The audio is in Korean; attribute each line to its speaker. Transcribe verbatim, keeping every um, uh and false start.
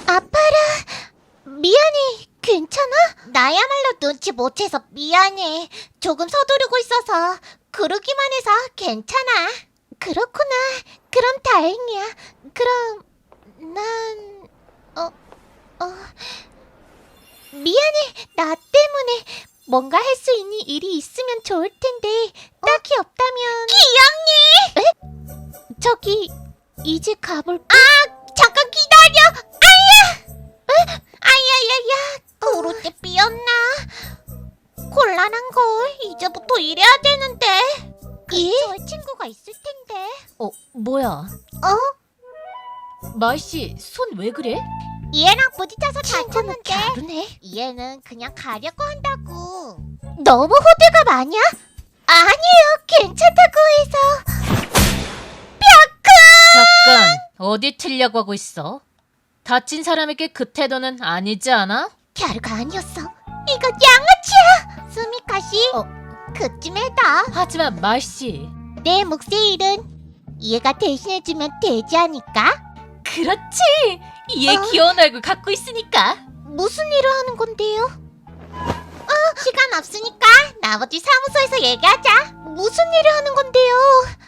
Speaker 1: 아파라. 미안해. 괜찮아? 나야말로 눈치 못 채서 미안해. 조금 서두르고 있어서. 그러기만 해서 괜찮아. 그렇구나. 그럼 다행이야. 그럼 난... 어... 어... 미안해. 나 때문에 뭔가 할 수 있는 일이 있으면 좋을 텐데 딱히 없다면... 기영님! 에? 저기 이제 가볼까? 아! 잠깐 기다려! 아야! 에? 아야야야! 그릇대 삐었나? 곤란한 걸 이제부터 일해야 되는데. 근처에 친구가 있을 텐데.
Speaker 2: 어, 뭐야?
Speaker 1: 어?
Speaker 2: 마이씨, 손 왜 그래?
Speaker 1: 얘랑 부딪혀서
Speaker 2: 친구는
Speaker 1: 다쳤는데
Speaker 2: 갸루네.
Speaker 1: 얘는 그냥 가려고 한다고. 너무 호들갑 아니야? 아니에요. 괜찮다고 해서.
Speaker 2: 잠깐, 어디 틀려고 하고 있어? 다친 사람에게 그 태도는 아니지 않아?
Speaker 1: 갸루가 아니었어. 이거 양아치야. 수미카 씨.
Speaker 2: 어.
Speaker 1: 그쯤에다
Speaker 2: 하지만 마이씨.
Speaker 1: 내 몫의 일은 얘가 대신해주면 되지 않을까?
Speaker 2: 그렇지! 얘
Speaker 1: 어?
Speaker 2: 귀여운 얼굴 갖고 있으니까.
Speaker 1: 무슨 일을 하는 건데요? 어, 시간 없으니까 나머지 사무소에서 얘기하자. 무슨 일을 하는 건데요?